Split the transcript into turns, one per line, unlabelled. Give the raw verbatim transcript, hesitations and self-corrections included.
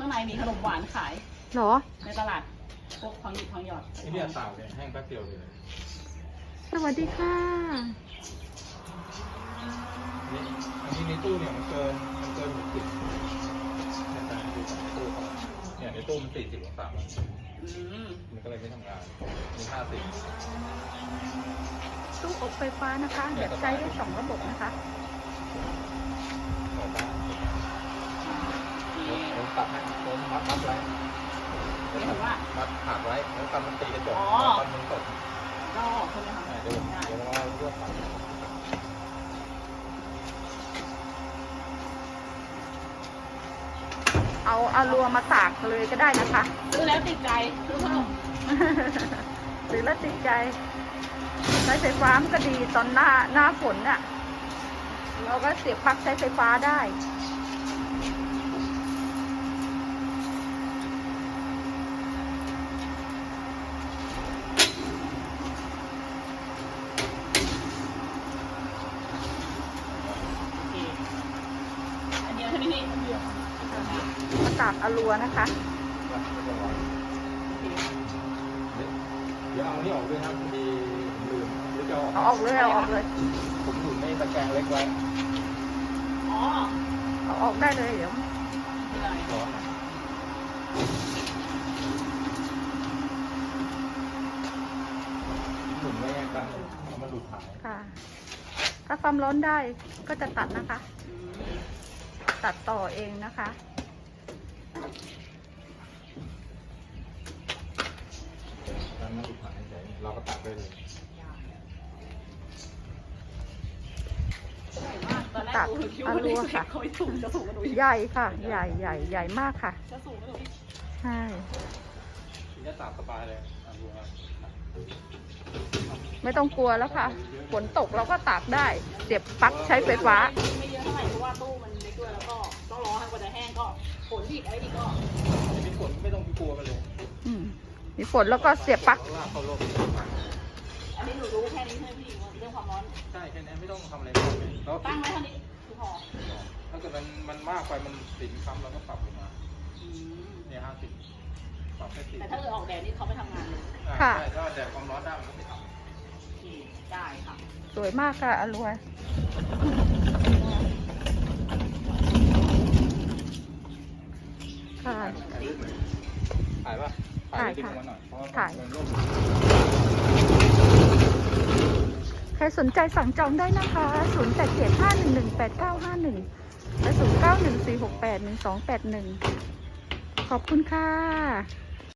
างในมีขนมหวานขาย
หรอ
ในตลาดพวกทองหยิบทองหยอด
นี่เนี่ยตากเลยแห้งแป๊บเดียวเลย
สวัสดีค่ะ
นี่อันนี้ในตู้เนี่ยมันเกินมันเกินหกสิบเนี่ยแต่ดูจากในตู้เขาเนี่ยในตู้มันสี่สิบองศามันก็เลยไม่ทำงานมีห้าสิบ
ตู้อบไฟฟ้านะคะแบบใช้ได้สองระบบนะคะ
ผมตัดให้ผมมัดมัดไว้มัดขาดไว้แล้วตอนมันตีกระจกตอนมันตก
ก็ใช่ไหมคะ
เดี๋ยวเดี๋ยวเราเลือกตัด
เอาอารัวมาตากเลยก็ได้นะคะ
ซื้อแล้วติดใจซื้อเพิ่ม
ซื้อแล้วติดใจใช้ไฟฟ้ามันก็ดีตอนหน้าหน้าฝนน่ะเราก็เสียบปลั๊กใช้ไฟฟ้าได้
อันเดียวใช่ไหมนี่อันเดียว
มาตากอารัวนะคะ
เดี๋ยวเอานี่ออกด้วยนะพอดีลืมหรือจะ
เอาออกเลยเอาออกเลย
ผมอยู่ในตะแกรงเล็กไว้
อ๋อ
เอาออกได้เลยเดี๋ยว
ร้อนหมุนไม่กันมันหลุดหาย
ค่ะถ้าความร้อนได้ก็จะตัดนะคะตัดต่อเองนะคะ
มันหลุดหายใจเราก็ตัดได้เลย
ตัดอารัวค่ะใหญ่ค่ะใหญ่ใหญ่ใหญ่มากค่ะใช่
จะตัดสบายเลยอารัว
ไม่ต้องกลัวแล้วค่ะฝนตกเราก็ตากได้เสียบปลั๊กใช้ไฟฟ้า
ไม่เยอะเท่าไหร่เพราะว่าตู้มันเล็กด้วยแล้วก็ต้องรอให้กว่าจะแห้งก็ฝนอีกอะไรอีกก็
มีฝนไม่ต้องกลัวมันเลย
อืมมีฝนแล้วก็เสียบปลั๊ก
อันนี้หนูรู้แค่นี้ใช่ไหมพี่เรื่องความร้อน
ใช่แค่นี้ไม่ต้องทำอะไร
ตั้งไว้เท่านี้คือพอ
ถ้าเกิดมันมันมากไปมันสินค้ำเราก็ปรับลงมาเนี่ยห้าสิบปรับแค่สิบ
แต่ถ้าเกิดออกแดดนี่เขาไม่ทำงานเลย
ค่ะ
ถ้าแดดความร้อนได้มันก็ไม่ทำ
ได้ค่ะ
สวยมากค่ะอร่อยค่ะ
ถ่ายป่ะถ่ายค่ะ
ถ่ายใครสนใจสั่งจองได้นะคะศูนย์ แปด เจ็ด ห้า หนึ่ง หนึ่ง แปด เก้า ห้า หนึ่งและศูนย์ เก้า หนึ่ง สี่ หก แปด หนึ่ง สอง แปด หนึ่งขอบคุณค่ะ